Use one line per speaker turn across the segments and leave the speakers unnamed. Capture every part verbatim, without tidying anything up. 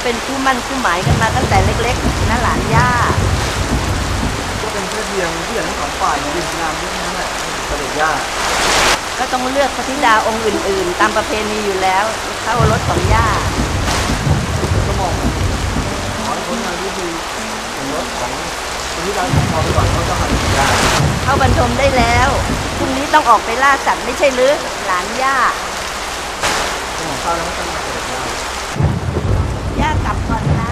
เป็นคู่มั่นคู่หมายกันมาตั้งแต่เล็กๆนะหลานย่า
ก็เป็นแค่เพียงผู้ใหญ่ทั้งสองฝ่ายยืนงานด้วยนั่นแหละเสด็จย่า
ก็ต้องเลือกพระธิดาองค์อื่นๆ ตามประเพณีอยู่แล้วเข้ารถของย่า
ก็มองขอให้พ้นทางที่ดีถึงรถของพระธิดาของเราไปก่อนเขาจะหันย่า
เข้าบรรทมได้แล้วพรุ่งนี้ต้องออกไปล่าสัตว์ไม่ใช่หรือหลานย่า
ของข้าวแล้วไม่ต้องมาเสด็จย่า
ย่ากลับก่อนนะ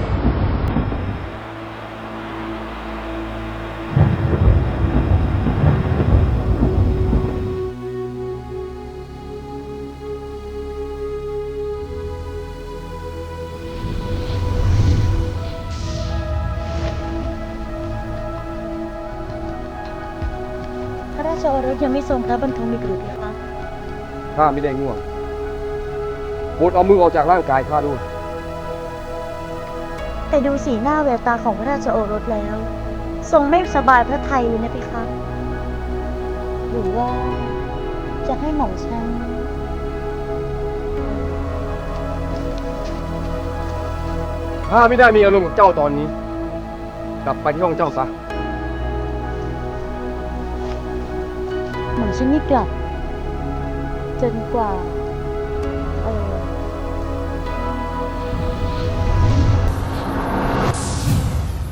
พระราชโอรสยังไม่ทรงพระบรรทมอีกหรือเพคะ
ข้าไม่ได้ง่วงโปรดเอามือออกจากร่างกายข้าด้วย
แต่ดูสีหน้าแววตาของพระราชโอรสแล้ว ทรงไม่สบายพระทัยเลยนะเพคะหรือว่าจะให้หม่อมฉัน
ข้าไม่ได้มีอารมณ์กับเจ้าตอนนี้ กลับไปที่ห้องเจ้าซะ
หม่อมฉันไม่กลับจนกว่า